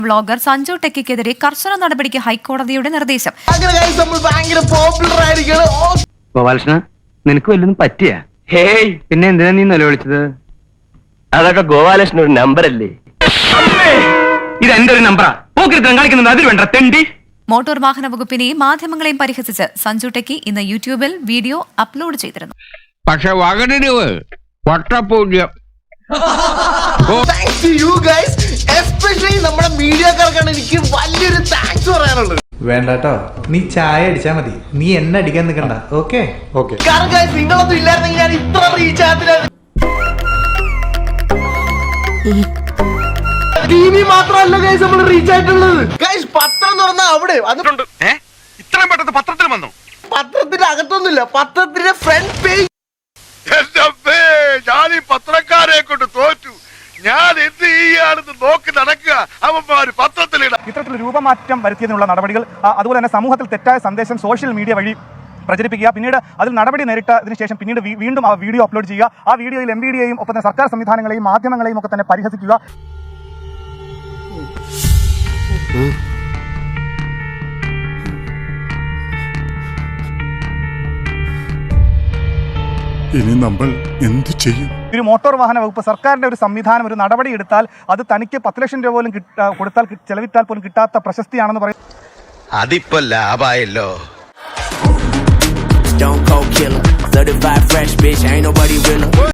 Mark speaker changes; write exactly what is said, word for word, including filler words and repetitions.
Speaker 1: Vlogger Sanju ടെക്കിക്കെതിരെ കർശന നടപടിക്ക് ഹൈക്കോടതിയുടെ നിർദ്ദേശം.
Speaker 2: ഗോപാലകൃഷ്ണ, നിനക്ക് വല്ലതും പറ്റിയ? ഹേയ്, പിന്നെ എന്തിനാ നീ നിലവിളിച്ചത്?
Speaker 3: അതൊക്കെ ഗോപാലകൃഷ്ണൻ ഒരു നമ്പർ അല്ലേ?
Speaker 2: ഇത് എന്റെ ഒരു നമ്പറാ. പോക്കിരുത്തം കളിക്കുന്നത് അതിൽ വേണ്ട തെണ്ടി.
Speaker 1: മോട്ടോർ വാഹന വകുപ്പിനെയും മാധ്യമങ്ങളെയും പരിഹസിച്ച് സഞ്ജു ടെക്കി ഇന്ന് യൂട്യൂബിൽ വീഡിയോ അപ്ലോഡ് ചെയ്തിരുന്നു.
Speaker 4: പക്ഷെ വകതിരിവ് വട്ടപൂജ്യം.
Speaker 5: നമ്മുടെ മീഡിയക്കാർക്കാണ് എനിക്ക് വലിയൊരു താങ്ക്സ് പറയാനുള്ളത്.
Speaker 6: വേണ്ടട്ടോ, നീ ചായ അടിച്ചാ മതി, നീ എന്നെ അടിക്കാൻ നിൽക്കണ്ട. Okay okay.
Speaker 5: കാരണം നിങ്ങളൊന്നും ഇല്ലായിരുന്നെങ്കിൽ ഞാൻ ഇത്ര റീച്ച് ആകത്തില്ല. ടി വി മാത്രമല്ല ഗൈസ് നമ്മൾ റീച്ച് ആയിട്ടുള്ളത്. ഗൈസ് പത്രം തുറന്നാ അവിടെ
Speaker 7: ഇത്രയും പെട്ടെന്ന് പത്രത്തിൽ വന്നു.
Speaker 5: പത്രത്തിന്റെ അകത്തൊന്നുമില്ല, പത്രത്തിന്റെ ഫ്രണ്ട് പേജ്.
Speaker 7: ഞാൻ ഈ പത്രക്കാരെ കൊണ്ട് തോറ്റു. ഞാൻ എന്ത് ചെയ്യാണെന്ന് നോക്കി നടക്കുക. അവന്മാര് പത്രത്തിലിട
Speaker 8: ഇത്തരത്തിൽ രൂപമാറ്റം വരുത്തിയതിനുള്ള നടപടികൾ, അതുപോലെ തന്നെ സമൂഹത്തിൽ തെറ്റായ സന്ദേശം സോഷ്യൽ മീഡിയ വഴി പ്രചരിപ്പിക്കുക, പിന്നീട് അതിൽ നടപടി നേരിട്ടതിനു ശേഷം പിന്നീട് വീണ്ടും ആ വീഡിയോ അപ്ലോഡ് ചെയ്യുക, ആ വീഡിയോയിൽ എം ബി ഡിയെയും ഒപ്പം തന്നെ സർക്കാർ സംവിധാനങ്ങളെയും മാധ്യമങ്ങളെയും ഒക്കെ തന്നെ പരിഹസിക്കുക.
Speaker 9: ഇനി നമ്മൾ എന്ത് ചെയ്യും?
Speaker 8: ഒരു മോട്ടോർ വാഹന വകുപ്പ് സർക്കാരിന്റെ ഒരു സംവിധാനം ഒരു നടപടി എടുത്താൽ അത് തനിക്ക് പത്ത് ലക്ഷം രൂപ പോലും കൊടുത്താൽ ചെലവിട്ടാൽ പോലും കിട്ടാത്ത പ്രശസ്തിയാണെന്ന് പറയും.
Speaker 7: അതിപ്പോ ലാഭായല്ലോ.
Speaker 10: Stone cold killer, certified fresh bitch, ain't nobody realer.